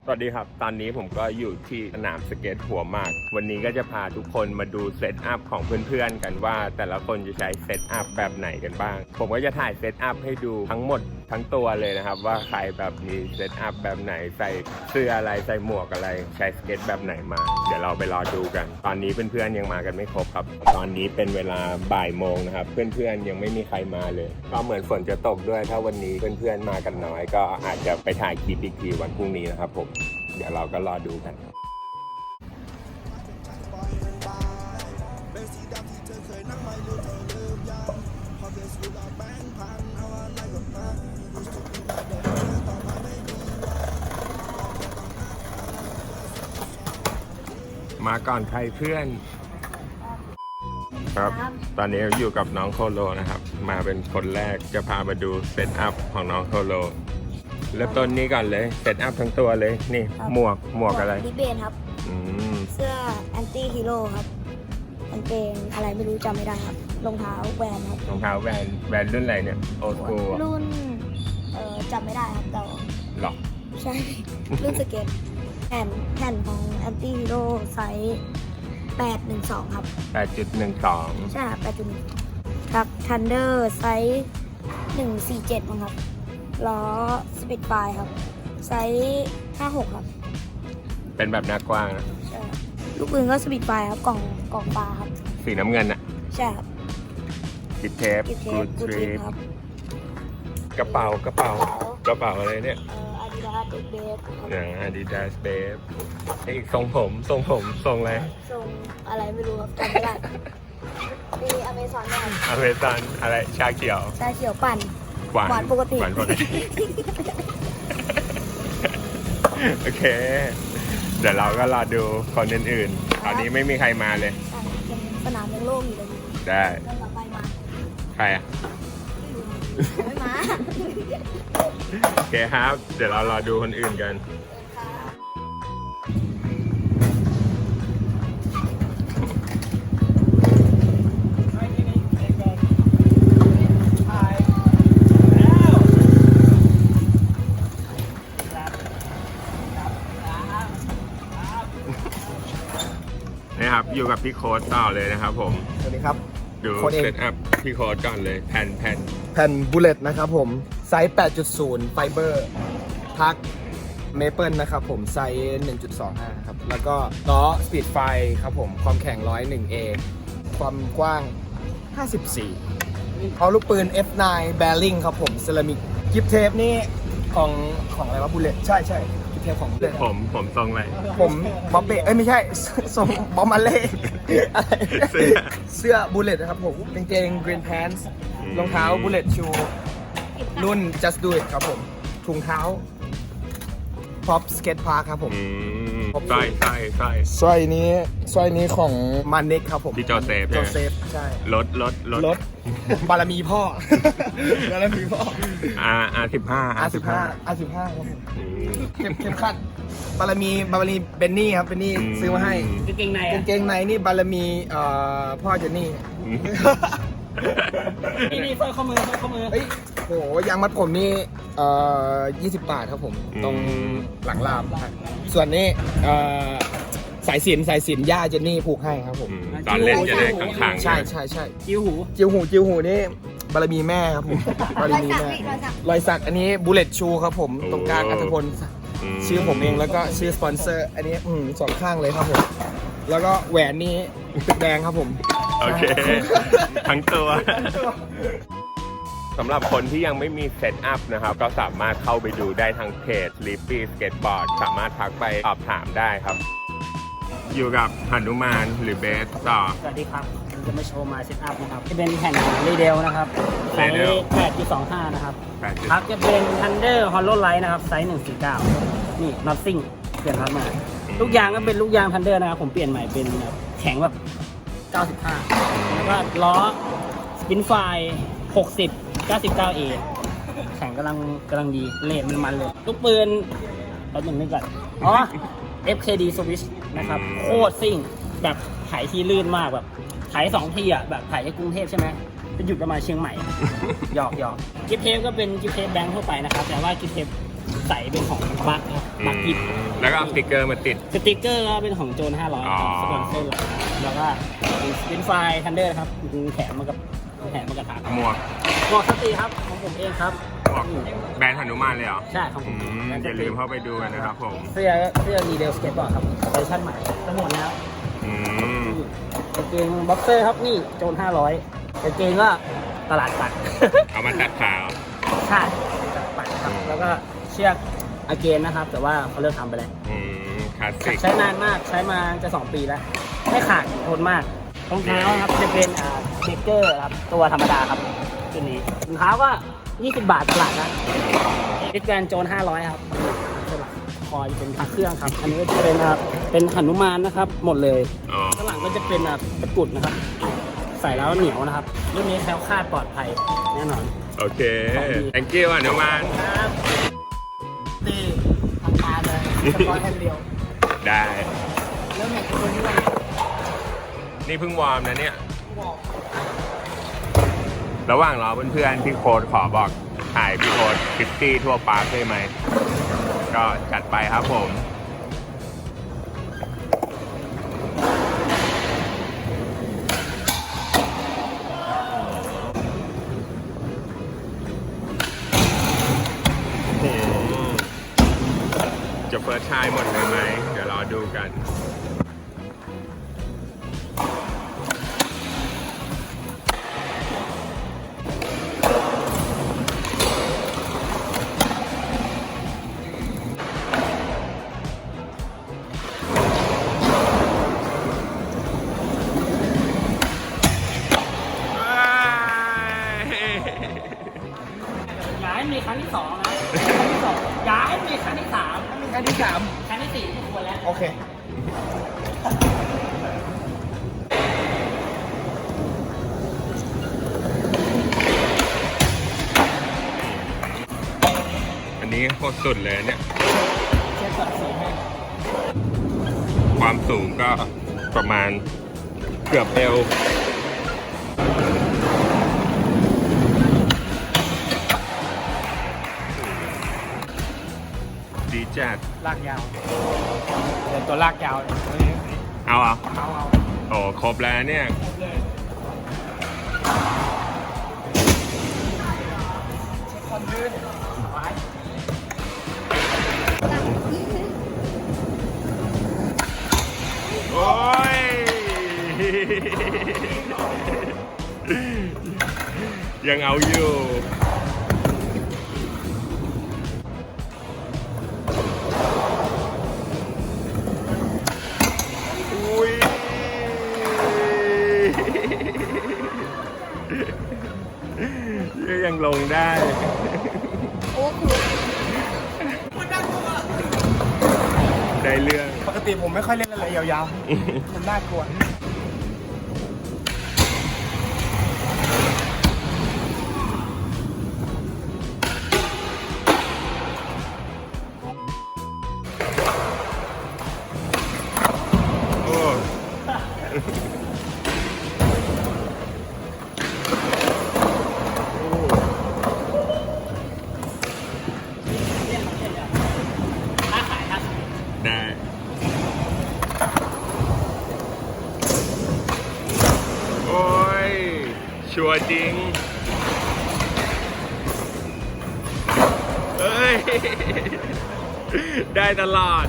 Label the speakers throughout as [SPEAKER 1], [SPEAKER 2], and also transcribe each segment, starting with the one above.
[SPEAKER 1] สวัสดีครับตอนนี้ผมก็อยู่ที่สนามสเก็ตหัวหมากวันนี้ก็จะพาทุกคนมาดูเซตอัพของเพื่อนๆกันว่าแต่ละคนจะใช้เซตอัพแบบไหนกันบ้างผมก็จะถ่ายเซตอัพให้ดูทั้งหมดทั้งตัวเลยนะครับว่าใครแบบมีเซตอัพแบบไหนใส่เสื้ออะไรใส่หมวกอะไรใช้สเก็ตแบบไหนมาเดี๋ยวเราไปรอดูกันตอนนี้เพื่อนๆยังมากันไม่ครบครับตอนนี้เป็นเวลาบ่ายโมงนะครับเพื่อนๆยังไม่มีใครมาเลยก็เหมือนฝนจะตกด้วยถ้าวันนี้เพื่อนๆมากันน้อยก็อาจจะไปถ่ายคลิปอีกทีวันพรุ่งนี้นะครับผมเดี๋ยวเราก็รอดูกันมาก่อนใครเพื่อนครับตอนนี้อยู่กับน้องโคโลนะครับมาเป็นคนแรกจะพามาดูเซตอัพของน้องโคโลเริ่มต้นนี้ก่อนเลยเซตอัพทั้งตัวเลยนี่หมวกอะไร
[SPEAKER 2] ดิเบนครับเสื้อแอนตี้ฮีโร่ครับกางเกงอะไรไม่รู้จำไม่ได้ครับรองเท้าแวนครับ
[SPEAKER 1] รองเท้าแวนรุ่นอะไรเนี่ยโอสกู
[SPEAKER 2] รุ่นจำไม่ได้ครับแต่
[SPEAKER 1] หรอ
[SPEAKER 2] ใช่ รุ่นสเก็ตแผ่นของแอนตี้ฮีโร่ไซส์812ครับ
[SPEAKER 1] 8.12
[SPEAKER 2] ใช่ครับ8.1ครับทันเดอร์ไซส์147มั้งครับล้อสปิดไฟครับไซส์56ครับ
[SPEAKER 1] เป็นแบบหน้ากว้างนะ
[SPEAKER 2] ใช่ลูกปืนก็สปิดไฟครับกล่องปลาครับ
[SPEAKER 1] สีน้ำเงินน่ะ
[SPEAKER 2] ใช่ครับ
[SPEAKER 1] กิฟเทปกูดทริป
[SPEAKER 2] ครับ
[SPEAKER 1] กระเป๋าอะไรเนี่ย
[SPEAKER 2] Adidas Base
[SPEAKER 1] Adidas Base อีกทรงผมทรงอะไร
[SPEAKER 2] ทรงอะไรไม่รู้ครับจำไม่ได้มีอเมซอนไหม
[SPEAKER 1] อเมซอนอะไรชาเขียว
[SPEAKER 2] ปั่นหวานปกติ
[SPEAKER 1] โอเคเดี๋ยวเราก็รอดูคนอื่นๆตอนนี้ไม่มีใครมาเลย
[SPEAKER 2] สนามยังโล่งอยู่เลย
[SPEAKER 1] ได้
[SPEAKER 2] ไปมา
[SPEAKER 1] ใครอ่ะ
[SPEAKER 2] ไม่มา
[SPEAKER 1] โอเคครับเดี๋ยวเรารอดูคนอื่นกันนะครับอยู่กับพี่โค้ดต่อเลยนะครับผม
[SPEAKER 3] สวัสดีครับ
[SPEAKER 1] ดูเซตอัพพี่โค้ดก่อนเลยแผ่
[SPEAKER 3] นบูเลตนะครับผมไซส์ 8.0 ไฟเบอร์ทักเมเปิลนะครับผมไซส์ 1.25 ครับแล้วก็ล้อสปีดไฟครับผมความแข็ง 101A ความกว้าง 54เอาลูกปืน F9 แบริ่งครับผมเซรามิกกิฟเทปนี่ของอะไรวะบูเลตใช่กิฟเทปของบูเลต
[SPEAKER 1] ผมทรงอะไร
[SPEAKER 3] ผมบ๊อบเบ้ไม่ใช่ทรงบอมมาเล่เสื้อบูเลตนะครับผมกางเกง Green Pants รองเท้าบูเลตชูรุ่น Just Do It ครับผมถุงเท้า Pop Skate Park ครับผม
[SPEAKER 1] สร้อย
[SPEAKER 3] นี้ของมันเน็กครับผม
[SPEAKER 1] ที่โจเซฟ
[SPEAKER 3] ใช่
[SPEAKER 1] รถ
[SPEAKER 3] บารมีพ่อ
[SPEAKER 1] R15
[SPEAKER 3] ครับผมเข้มขัดบารมีเบนนี่ครับเบนนี่ซื้อมาให้กางเกงในนี่บารมีพ่อเจนนี่
[SPEAKER 2] นี่สร้อยข้อมือ
[SPEAKER 3] เฮ้ยโหยางมัดผมนี่20 บาทครับผมตรงหลังรามส่วนนี้สายสิญย่าเจนนี่ผูกให้ครับผม
[SPEAKER 1] ตอนเล่นจะได้ข้างๆ
[SPEAKER 3] ใช่จิ้วหูนี่บารมีแม่ครับผมบารมีแม่รอยสักอันนี้บูเลตชูครับผมตรงกลางอัธพลชื่อผมเองแล้วก็ชื่อสปอนเซอร์อันนี้สองข้างเลยครับผมแล้วก็แหวนนี้ตึกแดงครับผม
[SPEAKER 1] โอเคทั้งตัวสำหรับคนที่ยังไม่มีเซตอัพนะครับก็สามารถเข้าไปดูได้ทางเพจ Sleepy Skateboard สามารถทักไปสอบถามได้ครับอยู่กับหนุมานหรือเบสต่อ
[SPEAKER 4] สวัสดีครับผมจะมาโชว์มาเซตอัพนะครับจะเป็นแผ่นรีเดลนะครับไซส์ 8.25 นะครับครับจะเป็น Thunder Hollow Light นะครับไซส์ 149 นี่ Nothing เปลี่ยนครับมาลูกยางก็เป็นลูกยาง Thunder นะครับผมเปลี่ยนใหม่เป็นแข็งแบบ95แล้วก็ล้อสปินไฟ60 99A แข็งกำลังดีเลนมันเลยลูกปืนเอาหนึ่งนึงก่อนFKD Switch นะครับโคตรซิ่งแบบถ่ายที่ลื่นมากแบบถ่าย2 ทีอ่ะแบบถ่ายในกรุงเทพใช่ไหมจะหยุดประมาณเชียงใหม่หยอกกิฟเทปก็เป็นกิฟเทปแบงค์ทั่วไปนะครับแต่ว่ากิฟเทปใส่เป็นของบัคครับบัคกิบ
[SPEAKER 1] แล้วก็เอาสติกเกอร์มาติด
[SPEAKER 4] สติกเกอร์ก็เป็นของโจน500
[SPEAKER 1] อ๋อ
[SPEAKER 4] สปอนเซอร์หลักนะครับแล้วก็เป็นไฟล์ทันเดอร์ครับแถมมากับฐาน
[SPEAKER 1] หมวก
[SPEAKER 4] หมวกสตรีครับของผมเองครับ
[SPEAKER 1] หมวกแบรนด์หนุมานเลยเหรอ
[SPEAKER 4] ใช่ของผม
[SPEAKER 1] อย่าลืมเข้าไปดูกันนะครับผม
[SPEAKER 4] เสื้อรีเดลสเก็ตบอร์ดครับเวอร์ชันใหม่จะหมดแล้ว
[SPEAKER 1] อืม
[SPEAKER 4] กางเกงบ็อกเซอร์ครับนี่โจน500กางเกงก็ตลาดปัด
[SPEAKER 1] เอามาตัดขาว
[SPEAKER 4] ใช่ตลาดปัดครับแล้วก็เชือกอาเกนนะครับ แต่ว่าเขาเลิกทำไปแล้ว
[SPEAKER 1] คลาสสิก
[SPEAKER 4] ใช้นานมากใช้มาจะ2 ปีแล้ว ไม่ขาดทนมากรองเท้าครับจะเป็นเบเกอร์ครับตัวธรรมดาครับตัวนี้รองเท้าก็20 บาทตลาดนะดิสแกรนโจน500ครับคอยเป็นพักเครื่องครับ อันนี้ก็จะเป็นหนุมานนะครับ หมดเลย
[SPEAKER 1] อ๋อ
[SPEAKER 4] ข้างหลังก็จะเป็นตะกรุดนะครับ ใส่แล้วเหนียวนะครับรุ่นนี้แคล้วคลาดปลอดภัยแน่นอน
[SPEAKER 1] โอเค thank you หนุมาน
[SPEAKER 4] ครับตีทำตาเลยสปอยแค่เดียว
[SPEAKER 1] ได้
[SPEAKER 4] เริ่มอยากจะคนนี้เลย
[SPEAKER 1] นี่เพิ่งวอร์มนะเนี่ย ระหว่างรอเพื่อนๆพี่โค้ดขอบอกถ่ายพี่โค้ด50ทั่วปาร์คได้ไหม ก็จัดไปครับผม จะเฟิร์สชายหมดเลยไหม เดี๋ยวรอดูกัน
[SPEAKER 4] อย่าให้มีครั้งที่2นะครั้งที่2อย่าให้มีครั้งที่3
[SPEAKER 3] มีครั้งที่สาม
[SPEAKER 4] ครั้งที่4ไม่ควรแล้ว
[SPEAKER 3] โอเค
[SPEAKER 1] อันนี้โคตรสุดเลยเนี่ย
[SPEAKER 4] เช็คก่อนสีให้
[SPEAKER 1] ความสูงก็ประมาณเกือบเอว ดีจัด
[SPEAKER 4] ลากยาวเดี๋ยวตัวลากยาวเลย
[SPEAKER 1] เอาเหรอ
[SPEAKER 4] เอา
[SPEAKER 1] โอ้ครบแล้วเนี่ย
[SPEAKER 4] เลย
[SPEAKER 3] คนยืน
[SPEAKER 4] ไว้
[SPEAKER 1] โอ้ย ยังเอาอยู่ อุ้ย ยังลงได้ ได้เรื่อง
[SPEAKER 3] ปกติผมไม่ค่อยเล่นอะไรยาวๆ มันน่ากลัว
[SPEAKER 1] โอ้ได้ โอ้ย ชัวร์จริง เฮ้ย ได้ตลอด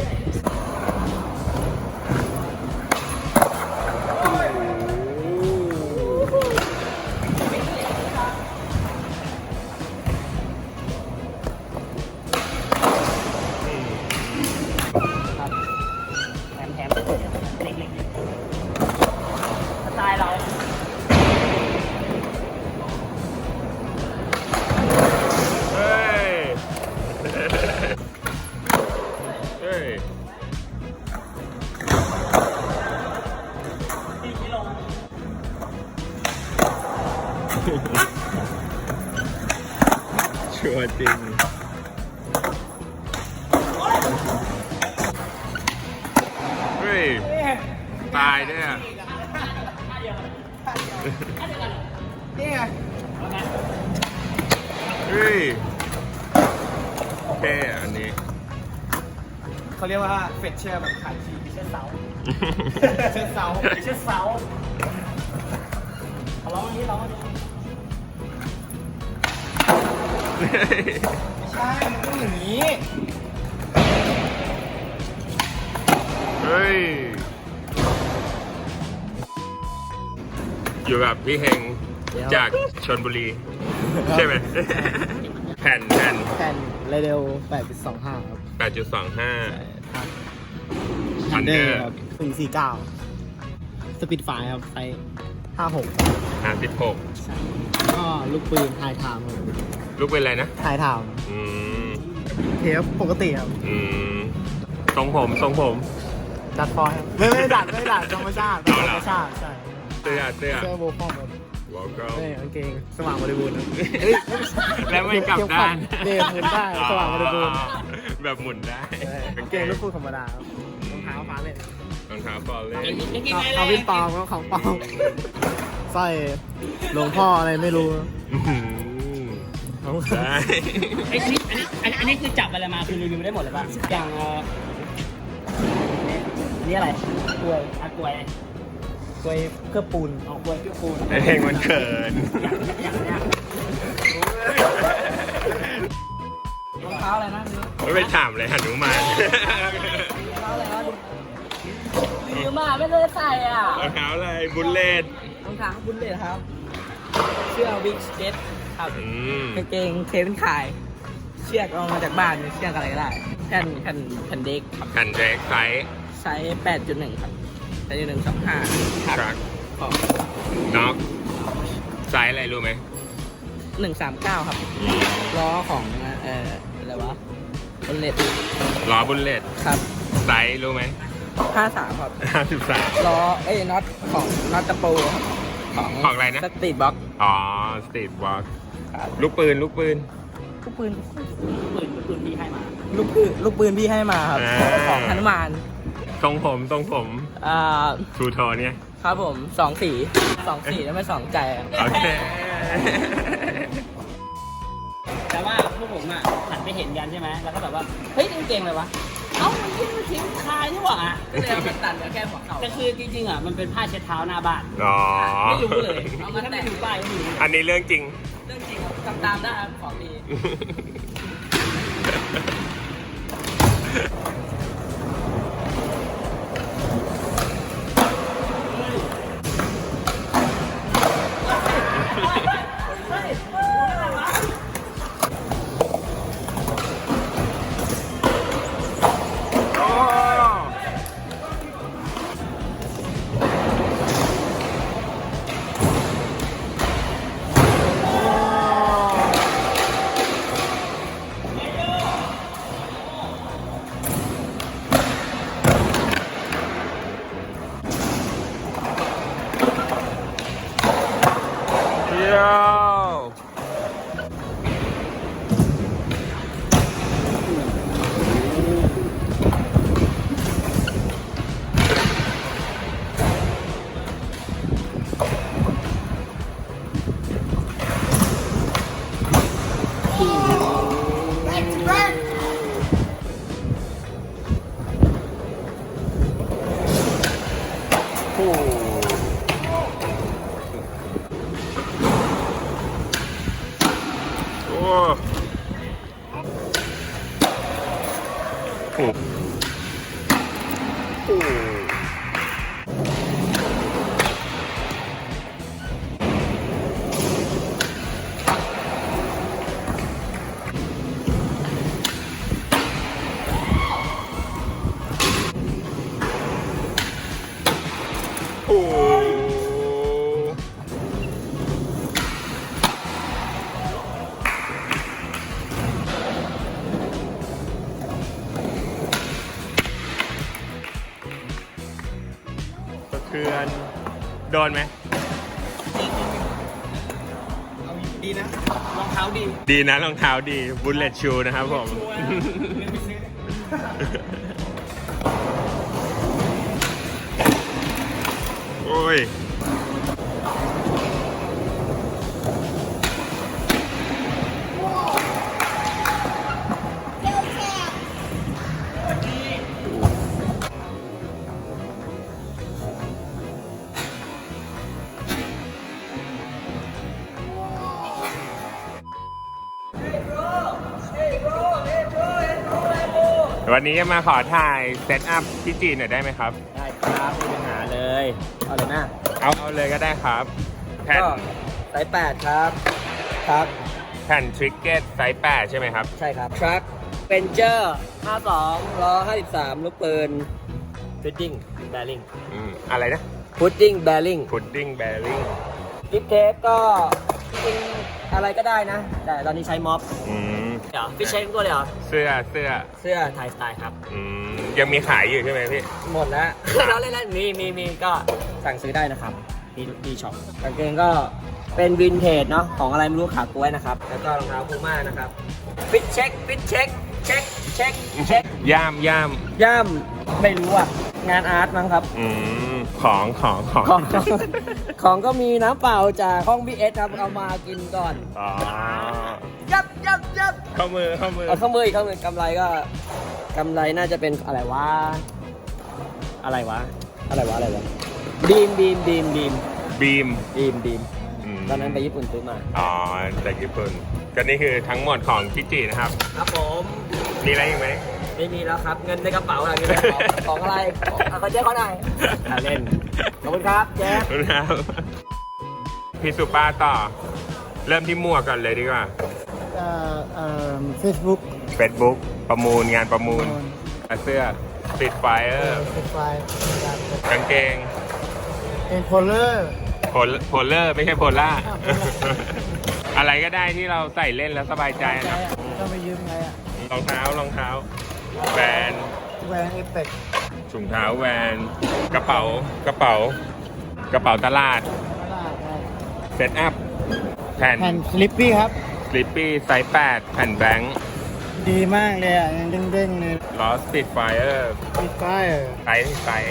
[SPEAKER 4] ครับแถมเล็กๆสไตล์เรา
[SPEAKER 1] เฮ้ย เฮ้ย
[SPEAKER 4] 4 กิโล
[SPEAKER 1] ชัวร์จริง เฮ้ย ตายเนี่ย
[SPEAKER 3] นี่ไง
[SPEAKER 1] เฮ้ยเท่อันนี้
[SPEAKER 3] เขาเรียกว่าเฟดเชอร์แบบขายชี
[SPEAKER 4] เชือกเสา
[SPEAKER 3] เชิดเสา
[SPEAKER 4] เชือกเสาเอาร้องอันนี้ร้องอันนี้
[SPEAKER 3] ไม่ใช่ มันต้องอย่างนี้
[SPEAKER 1] เฮ้ย อยู่กับพี่เฮงจากชลบุรี ใช่ไหม แผ่น
[SPEAKER 3] แผ่นเรเดล 8.25 ครับ
[SPEAKER 1] 8.25
[SPEAKER 3] Thunder ครับ149 สปีดไฟครับไซส์56
[SPEAKER 1] 56
[SPEAKER 3] ก็ลูกปืนไทยไทม์ครับ
[SPEAKER 1] ลูกเป็นอะไรนะ
[SPEAKER 3] ไทยไทม์
[SPEAKER 1] อืม
[SPEAKER 3] เทปปกติครับ
[SPEAKER 1] อืมทรงผม
[SPEAKER 3] ดัดฟอยล์ครับไม่ได้ดัดธรรมชาติ
[SPEAKER 1] เอาเหรอ
[SPEAKER 3] ธรรมชาติใช่
[SPEAKER 1] เสื้อ
[SPEAKER 3] เสื้อโบว์คอมครับ
[SPEAKER 1] วอลเกิล
[SPEAKER 3] นี่กางเกงสว่างบริบูรณ์ครับ
[SPEAKER 1] แล้วไม่กลับด้าน
[SPEAKER 3] เดมหมุนได้สว่างบริบูรณ์
[SPEAKER 1] แบบหมุนได้
[SPEAKER 3] กางเกงลูกคู่ธรรมดาครับรองเท้าฟ้าเล่น
[SPEAKER 1] รองเท้าฟอลเล่
[SPEAKER 3] เอาวินปลอมของปลอมสร้อยหลวงพ่ออะไรไม่รู้
[SPEAKER 1] ได้
[SPEAKER 4] อันนี้คือจับอะไรมาคือรีวิวได้หมดเลยป่ะอย่างอันนี้อะไรกล้วยกล้วย
[SPEAKER 3] กล้วยเคลือบปูน
[SPEAKER 4] เอากล้วยเครื่องปูน
[SPEAKER 1] ไอเพลงมันเขิน
[SPEAKER 4] อย่างเนี้ยรองเท้าอะไรนะ
[SPEAKER 1] ไม่ไปถามเลยหนุมาน
[SPEAKER 4] รองเท้าอะไรวะดีมากไม่ได้ใส่อ่ะ
[SPEAKER 1] รองเท้าอะไรบุลเลต
[SPEAKER 3] รองเท้าบุญเลยครับ เสื้อวิกสเก็ตครับ กางเกงเควินคาย เชือกเอามาจากบ้านเชือกอะไรก็ได้แผ่นเด็กครับ
[SPEAKER 1] แผ่นเด็กไซส์
[SPEAKER 3] ไซส์ 8.1 ครับ8.125
[SPEAKER 1] ทรัค
[SPEAKER 3] ของ
[SPEAKER 1] น็อกไซส์อะไรรู้ไหม
[SPEAKER 3] 139 ครับ ล้อของอะไรวะบนเลต
[SPEAKER 1] ล้อบุลเลต
[SPEAKER 3] ครับ
[SPEAKER 1] ไซส์รู้ไหม
[SPEAKER 3] 53 ครับ
[SPEAKER 1] 53
[SPEAKER 3] ล้อน็อตของน็อตตะปูครับ
[SPEAKER 1] ของอะไรนะ
[SPEAKER 3] สตรีทบ็อก
[SPEAKER 1] อ๋อสตรีทวอล์ก
[SPEAKER 3] ครับ
[SPEAKER 1] ลูกปืน
[SPEAKER 3] ลูกปืน
[SPEAKER 4] ปืนพี่ให้มา
[SPEAKER 3] ลูกปืนพี่ให้มาครับ ของฮนุมาน
[SPEAKER 1] ทรงผม
[SPEAKER 3] ทู
[SPEAKER 1] ทูโทนเนี่ย
[SPEAKER 3] ครับผม2 สีแล้วไม่2ใจอะ
[SPEAKER 1] โอเค
[SPEAKER 4] แต่ว่าพวกผมอ่ะหันไปเห็นกันใช่ไหมแล้วก็แบบว่าเฮ้ยกางเกงอะไรวะเอ้ามันทิ้งคายนี่หว่าก็เลยเอามาตัดเหลือแค่หัวเข่าแต่คือจริงๆอ่ะมันเป็นผ้าเช็ดเท้าหน้าบ้าน
[SPEAKER 1] อ๋อ
[SPEAKER 4] ไม่รู้เลยเอามาถ้าไม่ดูป้ายก็ไม่รู้
[SPEAKER 1] อันนี้เรื่องจริง
[SPEAKER 3] เรื่องจริงครับตามได้ครับของดี
[SPEAKER 1] เที่ยวโอ้โอ้โหโอ้โอ้สะเทือน โดนไหม
[SPEAKER 3] ดีนะ
[SPEAKER 4] รองเท้าดี
[SPEAKER 1] ดีนะรองเท้าดีบุลเลตชูนะครับผม โอ้ยวันนี้จะมาขอถ่ายเซตอัพที่จีนหน่อยได้ไหมครับ
[SPEAKER 3] ได้ครับไม่มีปัญหาเลย เอาเลยนะ
[SPEAKER 1] เอาเลยก็ได้ครับ แผ่น
[SPEAKER 3] ก็ไซส์8ครับครับ
[SPEAKER 1] แผ่นทริกเก็ตไซส์8ใช่ไหมครับ
[SPEAKER 3] ใช่ครับ ทรัคเป็นเจอร์52ล้อ53ลูกปืนฟิตติ้งแบริ่ง
[SPEAKER 1] อะไรนะ
[SPEAKER 3] พุดดิ้งแบริ่ง
[SPEAKER 1] พุดดิ้งแบริ่ง
[SPEAKER 3] กิฟเทปก็จริงๆอะไรก็ได้นะ แต่ตอนนี้ใช้ม็อบเดี๋ยวฟิชเชนตัวเลยเหรอ
[SPEAKER 1] เสื้อ
[SPEAKER 3] เสื้อไทยสไตล์ครับ
[SPEAKER 1] ยังมีขายอยู่ใช่ไหมพี่
[SPEAKER 3] หมดแล้ว เราเล่นๆมีก็สั่งซื้อได้นะครับที่ช็อปกางเกงก็เป็นวินเทจเนาะของอะไรไม่รู้ขากล้วยนะครับ แล้วก็รองเท้าพูม่านะครับฟิตเช็คเช็ค
[SPEAKER 1] ย่าม
[SPEAKER 3] ย่ำไม่รู้อ่ะ งานอาร์ตมั้งครับ
[SPEAKER 1] ของ
[SPEAKER 3] ของก็มีน้ำเปล่าจากห้องบีเอสครับเอามากินก่อน
[SPEAKER 1] อ๋อ
[SPEAKER 3] ยับ
[SPEAKER 1] เข้ามือ
[SPEAKER 3] เอาข้อมืออีกข้อมือกำไรก็กำไรน่าจะเป็นอะไรวะบีม ตอนนั้นไปญี่ปุ่นซื้อมา
[SPEAKER 1] อ๋อจากญี่ปุ่นก็นี่คือทั้งหมดของพิจินะครับ
[SPEAKER 3] ครับผม
[SPEAKER 1] มีอะไรอีกไหม
[SPEAKER 3] ไม่มีแล้วครับ เงินในกระเป๋าอะไรมีแต่ของอะไรเขาแจ้งเขาหน่อยเล่น ขอบคุณครับแจ๊ค
[SPEAKER 1] ครับพี่สุป้าต่อ เริ่มที่หมวกก่อนเลยดีกว่า
[SPEAKER 5] Facebook
[SPEAKER 1] Facebook ประมูลงานประมูลเสื้อ Street Fire
[SPEAKER 5] ไฟล์
[SPEAKER 1] กางเกง
[SPEAKER 5] เป็นโพลเลอร์
[SPEAKER 1] โพลเลอร์ไม่ใช่โพล่า อะไรก็ได้ที่เราใส่เล่นแล้วสบายใจนะ
[SPEAKER 5] ต้องไปยืมไงอ่ะ
[SPEAKER 1] รองเท้าแวน
[SPEAKER 5] แหวนเอฟเฟกต์
[SPEAKER 1] ถุงเท้าแวนกระเป๋าตลาดเซตอัพแผ่น
[SPEAKER 5] แผ่นสลิปปี้ครับ
[SPEAKER 1] สลิปปี้ไซส์8แผ่นแบงค์
[SPEAKER 5] ดีมากเลยอ่ะยังเด้งๆเลย
[SPEAKER 1] ล้อสปีดไฟเออร์
[SPEAKER 5] มีไฟล์
[SPEAKER 1] ไซส์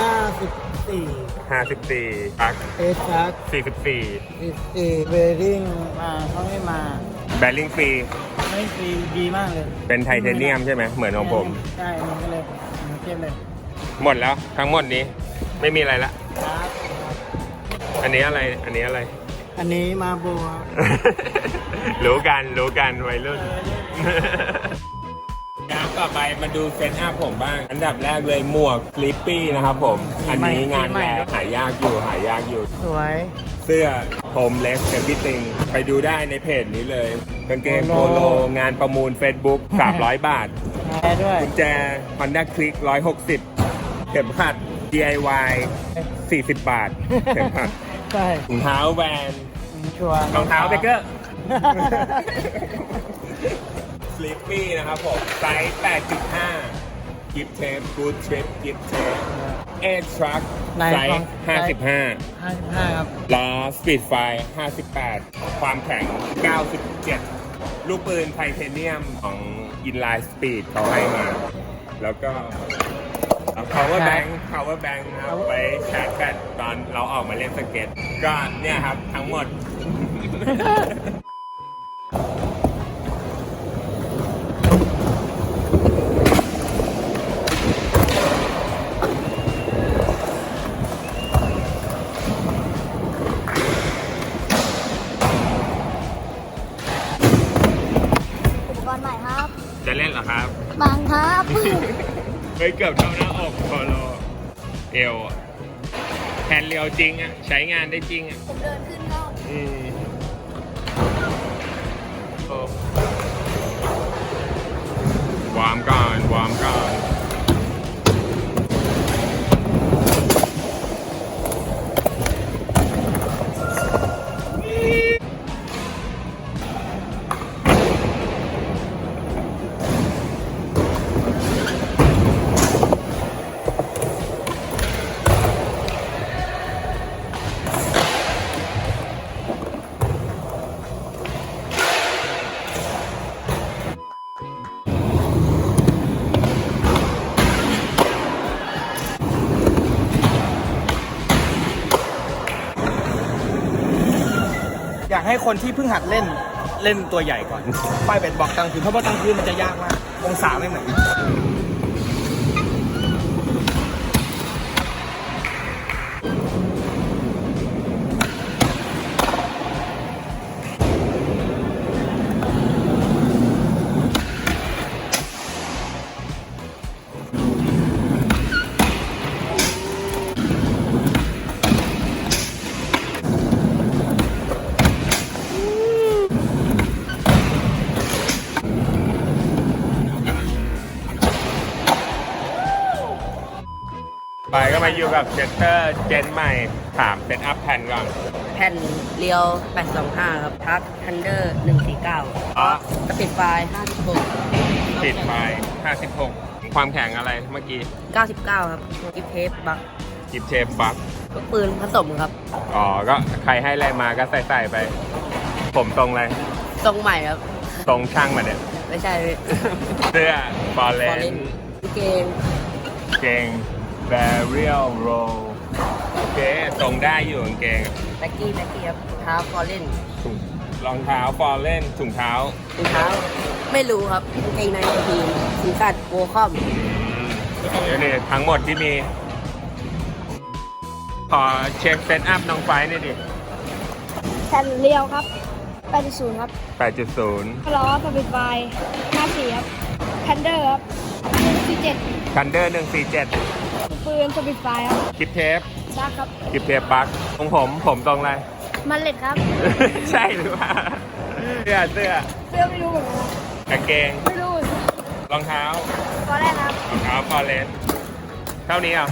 [SPEAKER 5] 54
[SPEAKER 1] 54ปัก
[SPEAKER 5] เอชาร์
[SPEAKER 1] 44
[SPEAKER 5] ด14เวริ่งมาเขาให้มา
[SPEAKER 1] แบริ่งฟรี
[SPEAKER 5] ไม่ฟรีดีมากเลย
[SPEAKER 1] เป็นไทเทเนียมใช่ไหมเหมือนของผม
[SPEAKER 5] ใช่มันก็เลยมันเทียบเลย
[SPEAKER 1] หมดแล้วทั้งหมดนี้ไม่มีอะไรละ
[SPEAKER 5] ครับ
[SPEAKER 1] อันนี้อะไร
[SPEAKER 5] อันนี้มาโบครับ
[SPEAKER 1] รู้กันวัยรุ่นครับต่อไปมาดูเซตอัพผมบ้าง อันดับแรกเลยหมวกสลิปปี้นะครับผม อันนี้งานแรกหายากอยู่
[SPEAKER 5] สวย
[SPEAKER 1] เสื้อโฮมเลสเอฟ r y t ิ i งไปดูได้ในเพจนี้เลยกางเกงโปโลงานประมูล Facebook 300 บาท
[SPEAKER 5] แพ้ด้วย
[SPEAKER 1] กุญแจ Honda Click 160 เข็มขัด DIY 40 บาท เข็มขัด
[SPEAKER 5] ใช่
[SPEAKER 1] ถุงเท้าแวน
[SPEAKER 5] ชัวร์
[SPEAKER 1] รองเท้าเบเกอร์ สลิปปี้นะครับผม ไซส์ 8.5 กิฟเทปกูดทริปกิฟเทปเอทรัคไซส์ 55
[SPEAKER 5] ครับ
[SPEAKER 1] ล้อสปีดไฟ58 ความแข็ง 97 ลูกปืนไทเทเนียมของ Inline Speed เขาให้มา แล้วก็ power bank นะครับไปชาร์จแบตตอนเราออกมาเล่นสเก็ต ก็เนี่ยครับทั้งหมด
[SPEAKER 2] อุปกรณ์ใหม่ครับ
[SPEAKER 1] จะเล่นเหรอครับ
[SPEAKER 2] บางครับ
[SPEAKER 1] เฮ้ยเกือบเท่าหน้าอกพอโลเอวอะแฮนด์เรียวจริงอ่ะ ใช้งานได้จริงอ่ะ
[SPEAKER 2] ผมเดินขึ้นก็
[SPEAKER 1] โอ้วอร์มก่อน
[SPEAKER 3] อยากให้คนที่เพิ่งหัดเล่นตัวใหญ่ก่อน ป้ายเบ็ดบอกกลางคืนเพราะว่ากลางคืนมันจะยากมาก องศาไม่เหมือนกัน
[SPEAKER 1] ไปก็มาอยู่กับเจสเตอร์เจนใหม่ถามเซตอัพแผ่นก่อน
[SPEAKER 6] แผ่นเรียว 825 ครับทักทันเดอร์ 149
[SPEAKER 1] อ๋อ
[SPEAKER 6] สปีดไฟล์
[SPEAKER 1] ปิดไฟ56 ความแข็งอะไรเมื่อกี้
[SPEAKER 6] 56 99 ครับกิฟเทปบัก
[SPEAKER 1] กิฟเชฟบัค
[SPEAKER 6] ลูกปืนผสมครับ
[SPEAKER 1] อ๋อ ก็ใครให้อะไรมาก็ใส่ไป ผมตรงเลย
[SPEAKER 6] ทรงใหม่ครับ
[SPEAKER 1] ตรงช่างมาเนี่ย
[SPEAKER 6] ไม่ใช่พี่
[SPEAKER 1] เสื้อ ฟอร์เร
[SPEAKER 6] ฟอร์เร
[SPEAKER 1] น
[SPEAKER 6] นเกง
[SPEAKER 1] เกงแบเรียลโรโอเคตรงได้อยู่กางเกง
[SPEAKER 6] แบ็กกี้ครับเท้าฟอร์เรน
[SPEAKER 1] ถุงรองเท้าฟอร์เรนถุงเท้า
[SPEAKER 6] รองเท้า ไม่รู้ครับกางเกงในทีมสีกัดโวคอม
[SPEAKER 1] เดี๋ยวนี่ทั้งหมดที่มี ขอเช็คเซตอัพน้องไฟหน่อยดิ
[SPEAKER 2] แผ่นเรียวครับ8.0ครับ
[SPEAKER 1] 8.0
[SPEAKER 2] ล้อสปิดไฟ54ครับทันเดอร์ครับ147
[SPEAKER 1] คันเดอร์147
[SPEAKER 2] ปืนสปิดไฟครับ
[SPEAKER 1] คลิปเทป
[SPEAKER 2] ดักครับ
[SPEAKER 1] คลิปเทปบัคของผมตรงอะไร
[SPEAKER 2] มันเล็ดครับ
[SPEAKER 1] ใช่หรือเปล่าเสื้อ
[SPEAKER 2] เสื้อไม่รู้เหมือนกันครับ
[SPEAKER 1] กางเกง
[SPEAKER 2] ไม่รู้
[SPEAKER 1] รองเท้า
[SPEAKER 2] ตอนแรกครับ
[SPEAKER 1] รองเท้าฟอร์เรนเท่านี้เหรอ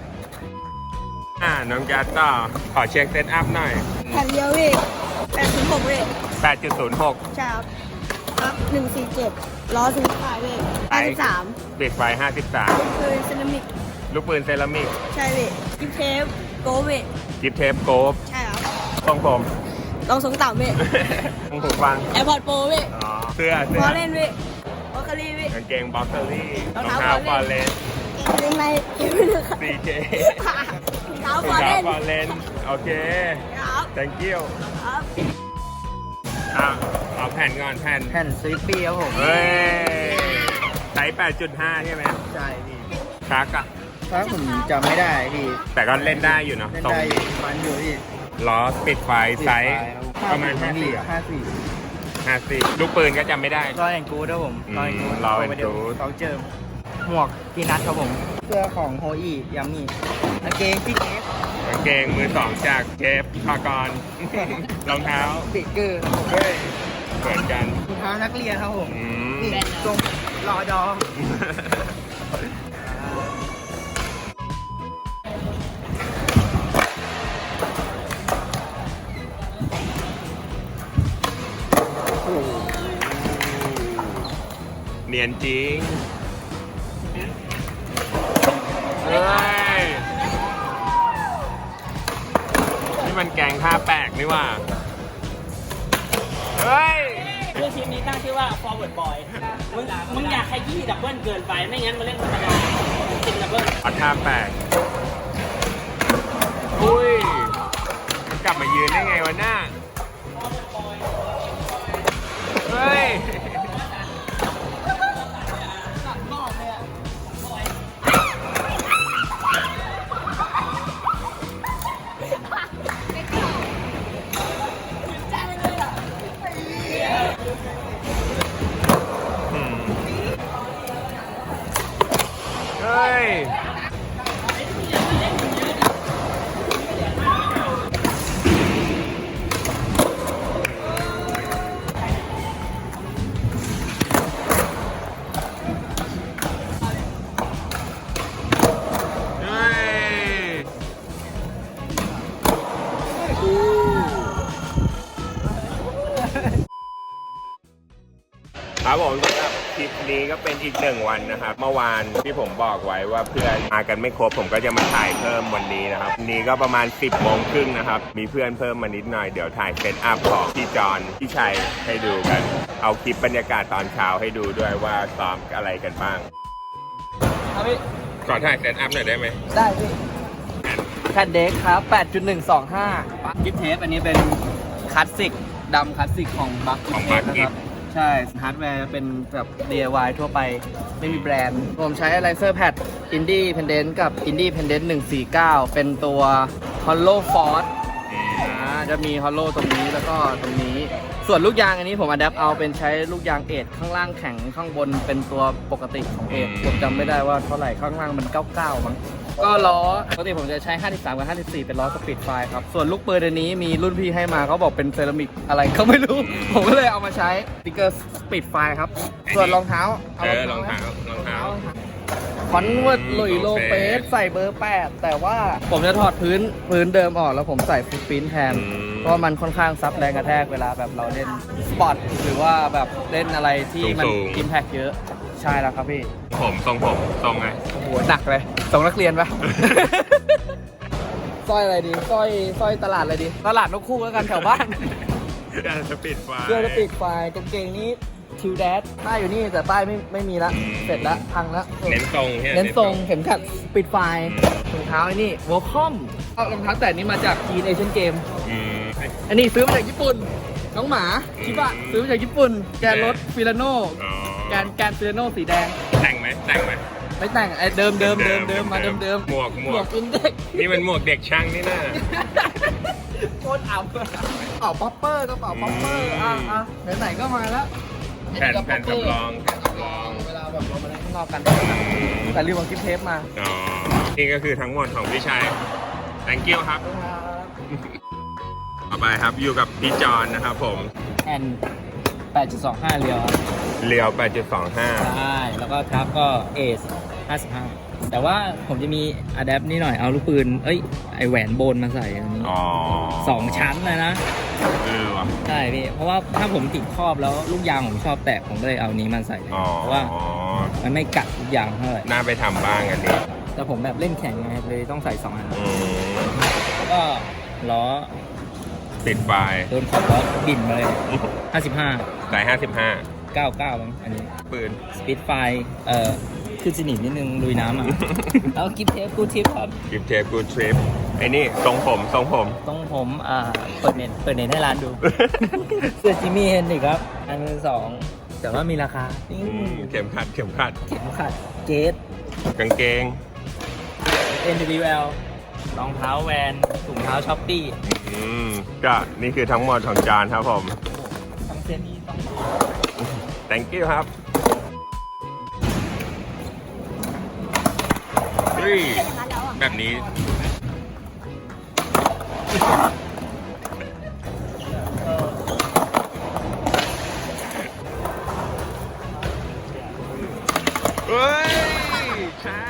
[SPEAKER 1] น้องจัดต่อขอเช็คเซตอัพหน่อย
[SPEAKER 2] แผ่นเรียวพี่8.6พี่
[SPEAKER 1] 8.06
[SPEAKER 2] ใช่ครับครับ147ล้อสปิดไฟพี่53
[SPEAKER 1] ปิดไฟ
[SPEAKER 2] ปืนเซรามิก
[SPEAKER 1] 53 ลูกปืนเซรามิก
[SPEAKER 2] ใช่พี่กิฟเทปโกเว
[SPEAKER 1] กิฟเทปโกฟ
[SPEAKER 2] ใช่ครับ
[SPEAKER 1] ทรงผม
[SPEAKER 2] ลองสงต่ำพี่
[SPEAKER 1] หูฟัง
[SPEAKER 2] แอร์พอร์ตโปรพี่
[SPEAKER 1] อ๋อ เสื้อ
[SPEAKER 2] ฟอร์เรนพี่วอลคารีพี่
[SPEAKER 1] กางเกงบ็อกเซอรี่ร
[SPEAKER 2] ร
[SPEAKER 1] อ
[SPEAKER 2] อง ง
[SPEAKER 1] เท้า
[SPEAKER 2] เท้า
[SPEAKER 1] ฟอร์เรน
[SPEAKER 2] เกงในเกงไม่รู้ครับ
[SPEAKER 1] CJ
[SPEAKER 2] เท้าร
[SPEAKER 1] อง
[SPEAKER 2] ฟอร์
[SPEAKER 1] เท้า
[SPEAKER 2] เรน
[SPEAKER 1] ฟอร์เรนโอเค
[SPEAKER 2] ครับ
[SPEAKER 1] thank you
[SPEAKER 2] ครับ
[SPEAKER 1] เอาแผ่นก่อนแผ่น
[SPEAKER 3] แผ่นสลิปปี้ครับผม
[SPEAKER 1] เฮ้ยไซส์ 8.5 ใช่ไหม
[SPEAKER 3] ใช่พี่
[SPEAKER 1] ชักอะ
[SPEAKER 3] ถ้าผมจำไม่ได้พี่
[SPEAKER 1] แต่ก็เล่นได้อยู่เนอะ
[SPEAKER 3] เล่น
[SPEAKER 1] ตรง
[SPEAKER 3] ได้อยู่มันอยู่พี่
[SPEAKER 1] ล้อปิดไฟไซส์ประมาณ 50 ลูกปืนก็จำไม่ได้
[SPEAKER 3] รอยแอนกูดครับผม
[SPEAKER 1] อืมRoyal and Good
[SPEAKER 3] เขาเจิมหมวกกีนัทครับผม เสื้อของโฮอียามีกางเกงพี่เจฟ
[SPEAKER 1] กางเกงมือสองจากเจฟพากร รองเท้า
[SPEAKER 3] ปิเกอร์
[SPEAKER 1] เฮ้ยเหมือนกัน
[SPEAKER 3] รองเท้านักเรียนครับผม
[SPEAKER 1] อืม
[SPEAKER 3] นี่ทรงรอดอ
[SPEAKER 1] เนียนจริง เฮ้ย นี่มันแกงท่าแปลกนี่หว่า เฮ้ย
[SPEAKER 4] ชื่อทีมนี้ตั้งชื่อว่า forward boy มึงอยากขยี้ดับเบิลเกินไป ไม่งั้นมาเล่นธรรมดาติดดับเบิล
[SPEAKER 1] เอาท่าแปลกอุ้ย มันกลับมายืนได้ไงวะหน้า เฮ้ย เฮ้ย เฮ้ย ครับผมสำหรับคลิปนี้ก็เป็นอีกหนึ่งวันนะครับ เมื่อวานที่ผมบอกไว้ว่าเพื่อนมากันไม่ครบผมก็จะมาถ่ายเพิ่มวันนี้นะครับวันนี้ก็ประมาณ 10 โมงครึ่งนะครับ มีเพื่อนเพิ่มมานิดหน่อยเดี๋ยวถ่ายเซตอัพของพี่จอนพี่ชัยให้ดูกัน เอาคลิปบรรยากาศตอนเช้าให้ดูด้วยว่าซ้อมอะไรกันบ้าง
[SPEAKER 3] ครับพี่
[SPEAKER 1] ขอถ่ายเซตอัพหน่อยได้ไหม
[SPEAKER 3] ได้พี่แผ่นเด็กครับ 8.125 กิฟเทปอันนี้เป็นคลาสสิกดำคลาสสิกของบัค
[SPEAKER 1] ของ
[SPEAKER 3] เท
[SPEAKER 1] Buck
[SPEAKER 3] ปนะครับ ใช่ ฮาร์ดแวร์เป็นแบบ DIY ทั่วไป ไม่มีแบรนด์ ผมใช้ไลเซอร์แพด Independent กับ Independent 149 เป็นตัว Hollow Force จะมี Hollow ตรงนี้แล้วก็ตรงนี้ ส่วนลูกยางอันนี้ผมอัดแอปเอาเป็นใช้ลูกยางเอทข้างล่างแข็งข้างบนเป็นตัวปกติของเอทผมจำไม่ได้ว่าเท่าไหร่ข้างล่างมัน 99 มั้ง ก็ล้อปกติผมจะใช้ 53 กับ 54 เป็นล้อสปีดไฟครับ ส่วนลูกปืนอันนี้มีรุ่นพี่ให้มาเขาบอกเป็นเซรามิกอะไรเขาไม่รู้ ผมก็เลยเอามาใช้สติ๊กเกอร์สปีดไฟครับ ส่วนรองเท้า
[SPEAKER 1] รองเท้า
[SPEAKER 3] คอนเวิร์ตหลุยโลเปสใส่เบอร์ 8 แต่ว่าผมจะถอดพื้นเดิมออกแล้วผมใส่ฟุตปรินท์แทน เพราะมันค่อนข้างซับแรงกระแทกเวลาแบบเราเล่นสปอร์ตหรือว่าแบบเล่นอะไรที่มัน
[SPEAKER 1] สูงๆ
[SPEAKER 3] อิมแพคเยอะใช่แล้วครับพี่
[SPEAKER 1] ผมทรงไง
[SPEAKER 3] โอ้โหหนักเลยส่งนักเรียนปะ สร้อยอะไรดีสร้อยตลาดอะไรดี ตลาดนกคู่แล้วกันแถวบ้าน
[SPEAKER 1] การสปีดไฟ
[SPEAKER 3] เสื้อจะปีกไฟกางเกงนี้ทิวแดดป้ายอยู่นี่แต่ป้ายไม่มีละ
[SPEAKER 1] อืม
[SPEAKER 3] เสร็จละพังละ
[SPEAKER 1] เน้นทรงใช่ไหม
[SPEAKER 3] เน้นทรงเข็มขัดปิดไฟถุงเท้าไอ้นี่วอลคอมรองเท้าแตะนี้มาจากจีนเอเชียนเกม
[SPEAKER 1] อืม
[SPEAKER 3] อันนี้ซื้อมาจากญี่ปุ่นน้องหมาชิบะซื้อมาจากญี่ปุ่น แกนรถฟิลาโน่
[SPEAKER 1] อ๋อ
[SPEAKER 3] แกนฟิลาโน่สีแดง
[SPEAKER 1] แต่งไหม
[SPEAKER 3] ไม่แต่งไอ้เดิมมาเดิม
[SPEAKER 1] หมวก
[SPEAKER 3] อินเด็ก
[SPEAKER 1] นี่มันหมวกเด็กช่างนี่นะ
[SPEAKER 3] โคตรอับกระเป๋าป๊อปเปอร์อ่ะไหนๆก็มาแล้ว
[SPEAKER 1] แผ่นสำรอง
[SPEAKER 3] เวลาแบบเรามาเล่นข้างนอกกันแต่ลืมเอากิฟต์เทปมา
[SPEAKER 1] อ๋อ นี่ก็คือทั้งหมดของพี่ชัย thank you ครับ ต่อไปครับอยู่กับพี่จอนนะครับผม
[SPEAKER 4] แอน 8.25 เรียวครับ
[SPEAKER 1] เรียว 8.25
[SPEAKER 4] ใช่ แล้วก็ทับก็เอส55 แต่ว่าผมจะมีอะแดปนี่หน่อย เอาลูกปืน ไอแหวนโบนมาใส่อันนี้
[SPEAKER 1] อ๋อ
[SPEAKER 4] 2 ชั้นเลยนะ
[SPEAKER 1] ว่ะ
[SPEAKER 4] ใช่พี่ เพราะว่าถ้าผมติดครอบแล้วลูกยางผมชอบแตกผมก็เลยเอานี้มาใส่เลย
[SPEAKER 1] อ๋อ
[SPEAKER 4] เพราะว่ามันไม่กัดลูกยางเท่าไหร่
[SPEAKER 1] น่าไปทำบ้างอันนี้
[SPEAKER 4] แต่ผมแบบเล่นแข่งไงเลยต้องใส่2 อัน
[SPEAKER 1] อืม
[SPEAKER 4] แล้วก็ล้อ
[SPEAKER 1] ติดไฟ
[SPEAKER 4] โดนขอบล้อบินมาเลย 55
[SPEAKER 1] ใส่
[SPEAKER 4] 99มั้งอันนี้
[SPEAKER 1] 55 ปืน
[SPEAKER 4] สปีดไฟขึ้นสนิมนิดนึงลุยน้ำอ่ะ แล้วกิฟเทปกูทิปครับ
[SPEAKER 1] กิฟเทปกูทริปไอ้นี่ทรงผม
[SPEAKER 4] ต้องผมเปิดเน็ตให้ร้านดู เสื้อจิมมี่เฮนดิครับ อันมือ2แต่ว่ามีราคา
[SPEAKER 1] เข็มขัด
[SPEAKER 4] เข็มขัดเกต
[SPEAKER 1] กางเกง
[SPEAKER 4] NWL รองเท้าแวนถุงเท้าช้อปปี้
[SPEAKER 1] ก็นี่คือทั้งหมดของจานครับผม
[SPEAKER 4] ทั้งเส้นนี้ต้อง
[SPEAKER 1] thank you ครับเฮ้ยแบบนี้ เฮ้ย ใช่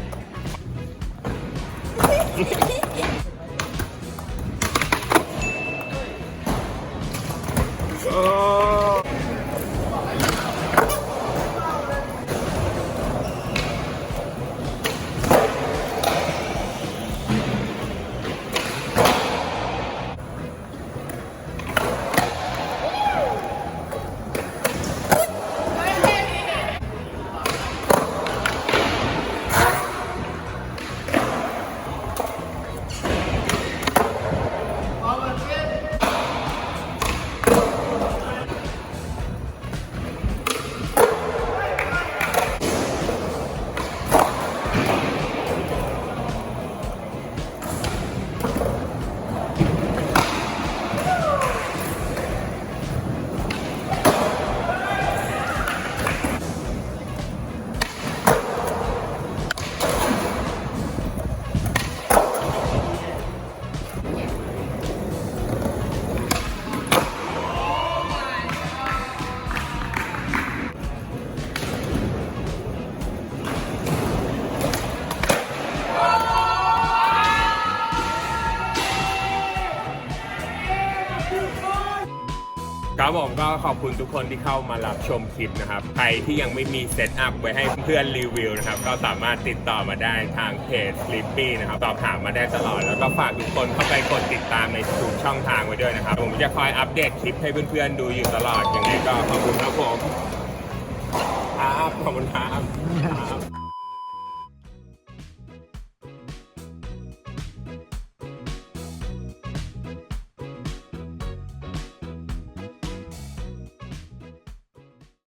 [SPEAKER 1] โอ้ครับผมก็ขอบคุณทุกคนที่เข้ามารับชมคลิปนะครับ ใครที่ยังไม่มีเซตอัพไว้ให้เพื่อนรีวิวนะครับ ก็สามารถติดต่อมาได้ทางเพจ Sleepy นะครับสอบถามมาได้ตลอด แล้วก็ฝากทุกคนเข้าไปกดติดตามในทุกช่องทางไว้ด้วยนะครับ ผมจะคอยอัปเดตคลิปให้เพื่อนๆดูอยู่ตลอด ยังไงก็ขอบคุณครับผมครับขอบคุณครับ